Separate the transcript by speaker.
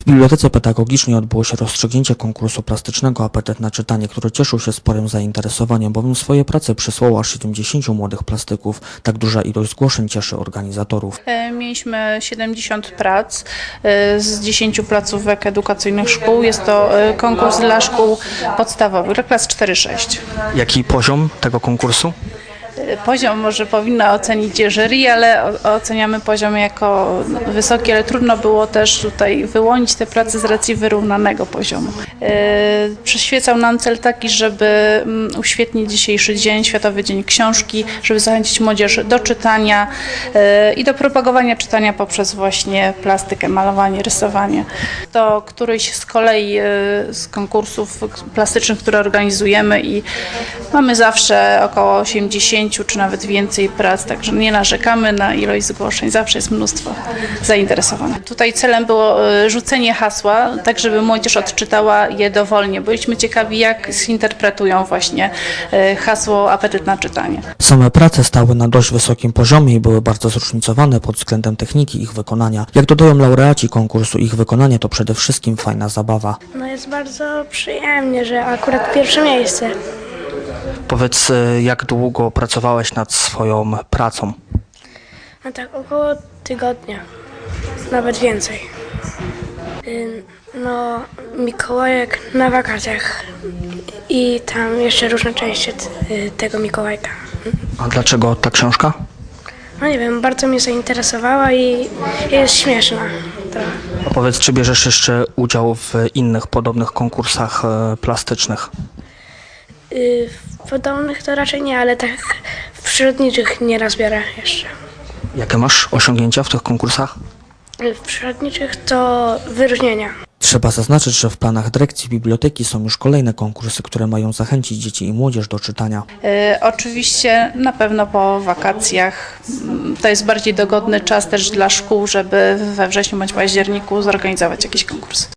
Speaker 1: W Bibliotece Pedagogicznej odbyło się rozstrzygnięcie konkursu plastycznego Apetyt na czytanie, który cieszył się sporym zainteresowaniem, bowiem swoje prace przysłało aż 70 młodych plastyków. Tak duża ilość zgłoszeń cieszy organizatorów.
Speaker 2: Mieliśmy 70 prac z 10 placówek edukacyjnych szkół. Jest to konkurs dla szkół podstawowych, dla klas 4-6.
Speaker 1: Jaki poziom tego konkursu?
Speaker 2: Poziom może powinna ocenić jury, ale oceniamy poziom jako wysoki, ale trudno było też tutaj wyłonić te prace z racji wyrównanego poziomu. Przyświecał nam cel taki, żeby uświetnić dzisiejszy dzień, Światowy Dzień Książki, żeby zachęcić młodzież do czytania i do propagowania czytania poprzez właśnie plastykę, malowanie, rysowanie. To któryś z kolei z konkursów plastycznych, które organizujemy i mamy zawsze około 80 czy nawet więcej prac, także nie narzekamy na ilość zgłoszeń, zawsze jest mnóstwo zainteresowanych. Tutaj celem było rzucenie hasła, tak żeby młodzież odczytała je dowolnie. Byliśmy ciekawi, jak zinterpretują właśnie hasło Apetyt na czytanie.
Speaker 1: Same prace stały na dość wysokim poziomie i były bardzo zróżnicowane pod względem techniki ich wykonania. Jak dodają laureaci konkursu, ich wykonanie to przede wszystkim fajna zabawa.
Speaker 3: No jest bardzo przyjemnie, że akurat pierwsze miejsce.
Speaker 1: Powiedz, jak długo pracowałeś nad swoją pracą?
Speaker 3: No tak około tygodnia, nawet więcej. No Mikołajek na wakacjach i tam jeszcze różne części tego Mikołajka.
Speaker 1: A dlaczego ta książka?
Speaker 3: No nie wiem, bardzo mnie zainteresowała i jest śmieszna trochę.
Speaker 1: A powiedz, czy bierzesz jeszcze udział w innych podobnych konkursach plastycznych?
Speaker 3: W podobnych to raczej nie, ale tak w przyrodniczych nieraz biorę jeszcze.
Speaker 1: Jakie masz osiągnięcia w tych konkursach?
Speaker 3: W przyrodniczych to wyróżnienia.
Speaker 1: Trzeba zaznaczyć, że w planach dyrekcji biblioteki są już kolejne konkursy, które mają zachęcić dzieci i młodzież do czytania.
Speaker 2: Oczywiście na pewno po wakacjach. To jest bardziej dogodny czas też dla szkół, żeby we wrześniu bądź październiku zorganizować jakiś konkurs.